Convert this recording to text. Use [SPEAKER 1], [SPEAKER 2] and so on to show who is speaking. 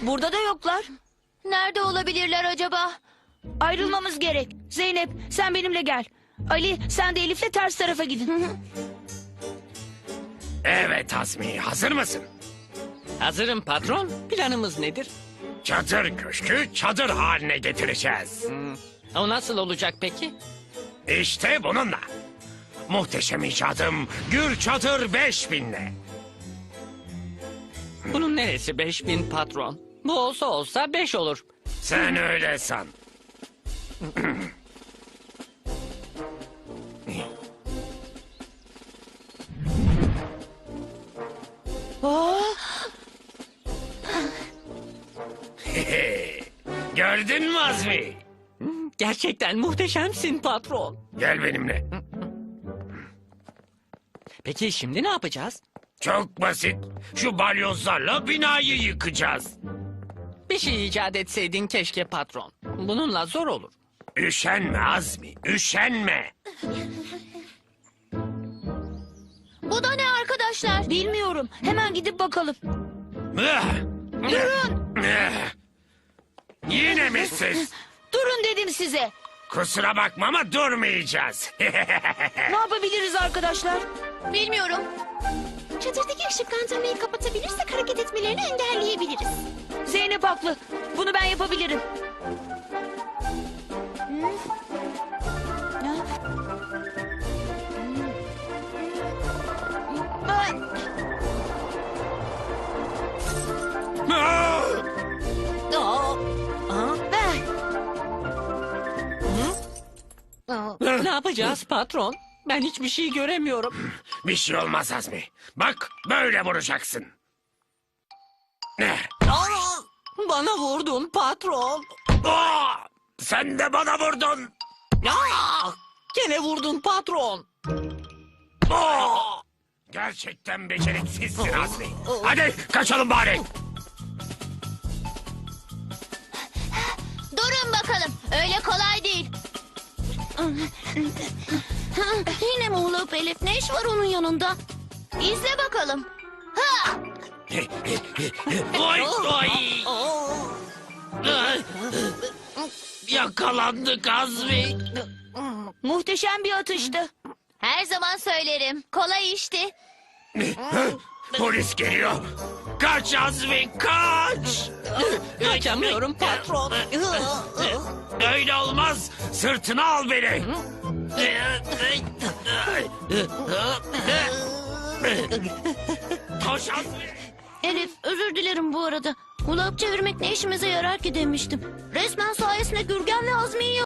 [SPEAKER 1] Burada da yoklar.
[SPEAKER 2] Nerede olabilirler acaba?
[SPEAKER 1] Ayrılmamız gerek. Zeynep, sen benimle gel. Ali, sen de Elif'le ters tarafa gidin.
[SPEAKER 3] Evet Azmi, hazır mısın?
[SPEAKER 4] Hazırım patron. Planımız nedir?
[SPEAKER 3] Çadır köşkü çadır haline getireceğiz.
[SPEAKER 4] O nasıl olacak peki?
[SPEAKER 3] İşte bununla. Muhteşem icadım Gür Çadır 5000'le.
[SPEAKER 4] Bunun neresi 5000 patron? Bu olsa 5 olur.
[SPEAKER 3] Sen öyle san. Gördün mü Azmi?
[SPEAKER 4] Gerçekten muhteşemsin patron.
[SPEAKER 3] Gel benimle.
[SPEAKER 4] Peki şimdi ne yapacağız?
[SPEAKER 3] Çok basit. Şu balyozlarla binayı yıkacağız.
[SPEAKER 4] Bir şey icat etseydin keşke patron. Bununla zor olur.
[SPEAKER 3] Üşenme Azmi, üşenme.
[SPEAKER 2] Bu da ne arkadaşlar?
[SPEAKER 1] Bilmiyorum. Hemen gidip bakalım.
[SPEAKER 3] Durun. Yine mi siz?
[SPEAKER 1] Durun dedim size.
[SPEAKER 3] Kusura bakma ama durmayacağız.
[SPEAKER 1] Ne yapabiliriz arkadaşlar?
[SPEAKER 2] Bilmiyorum. Çadırdaki ışıklandırmayı kapatabilirsek hareket etmelerini engelleyebiliriz.
[SPEAKER 1] Zeynep haklı. Bunu ben yapabilirim.
[SPEAKER 4] Ne yapacağız patron? Ben hiçbir şey göremiyorum.
[SPEAKER 3] Bir şey olmaz Azmi. Bak böyle vuracaksın. Ne?
[SPEAKER 4] Bana vurdun patron.
[SPEAKER 3] Aa! Sen de bana vurdun.
[SPEAKER 4] Gene vurdun patron.
[SPEAKER 3] Aa! Gerçekten beceriksizsin Azmi. Hadi kaçalım bari.
[SPEAKER 2] Durun bakalım. Öyle kolay değil. Yine mi Hulup Elif? Ne iş var onun yanında? İzle bakalım. Ha!
[SPEAKER 3] Oy oy. Yakalandık Azmi.
[SPEAKER 1] Muhteşem bir atıştı.
[SPEAKER 2] Her zaman söylerim. Kolay işti.
[SPEAKER 3] Polis geliyor. Kaç Azmi kaç.
[SPEAKER 4] Kaçamıyorum patron.
[SPEAKER 3] Öyle olmaz. Sırtına al beni. Koş Azmi.
[SPEAKER 2] Elif özür dilerim bu arada. Hulup çevirmek ne işimize yarar ki demiştim. Resmen sayesinde Gürgen ve Azmi'yi